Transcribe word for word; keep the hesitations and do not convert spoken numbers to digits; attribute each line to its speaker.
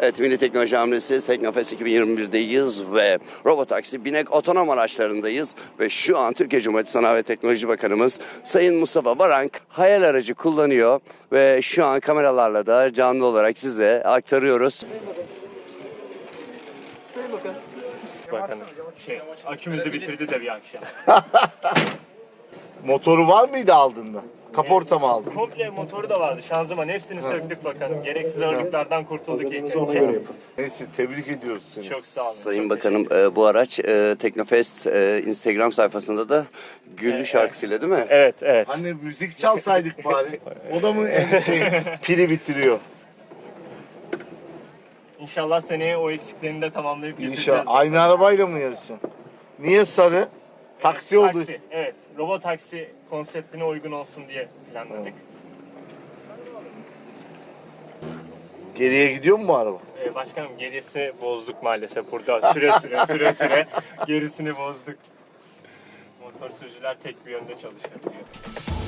Speaker 1: Evet, Milli Teknoloji Hamlesi Teknofest iki bin yirmi bir'deyiz ve Robotaksi Binek otonom araçlarındayız. Ve şu an Türkiye Cumhuriyeti Sanayi ve Teknoloji Bakanımız Sayın Mustafa Varank hayal aracı kullanıyor. Ve şu an kameralarla da canlı olarak size aktarıyoruz.
Speaker 2: Bakın şey, akümüzü bitirdi de bir akşam.
Speaker 3: Motoru var mıydı aldığında? Kaporta mı aldın?
Speaker 2: Komple motoru da vardı, şanzıman hepsini söktük bakalım. Gereksiz ağırlıklardan kurtulduk ilk önce.
Speaker 3: Neyse, tebrik ediyoruz seni.
Speaker 2: Çok sağ olun.
Speaker 1: Sayın
Speaker 2: çok
Speaker 1: Bakanım, e, bu araç e, Teknofest e, Instagram sayfasında da Güllü
Speaker 2: Evet.
Speaker 1: şarkısıyla değil mi?
Speaker 2: Evet, evet.
Speaker 3: Hani müzik çalsaydık bari. O da mı en şey pili bitiriyor?
Speaker 2: İnşallah seneye o eksiklerini de tamamlayıp getireceğiz.
Speaker 3: İnşallah. Aynı arabayla mı yarışacaksın? Niye sarı? Taksi oldu.
Speaker 2: Taksi, evet. Robot taksi konseptine uygun olsun diye planladık.
Speaker 3: Geriye gidiyor mu bu araba?
Speaker 2: Ee, başkanım gerisi bozduk maalesef burada. Süre süre süre süre gerisini bozduk. Motor sürücüler tek bir yönde çalışabiliyor.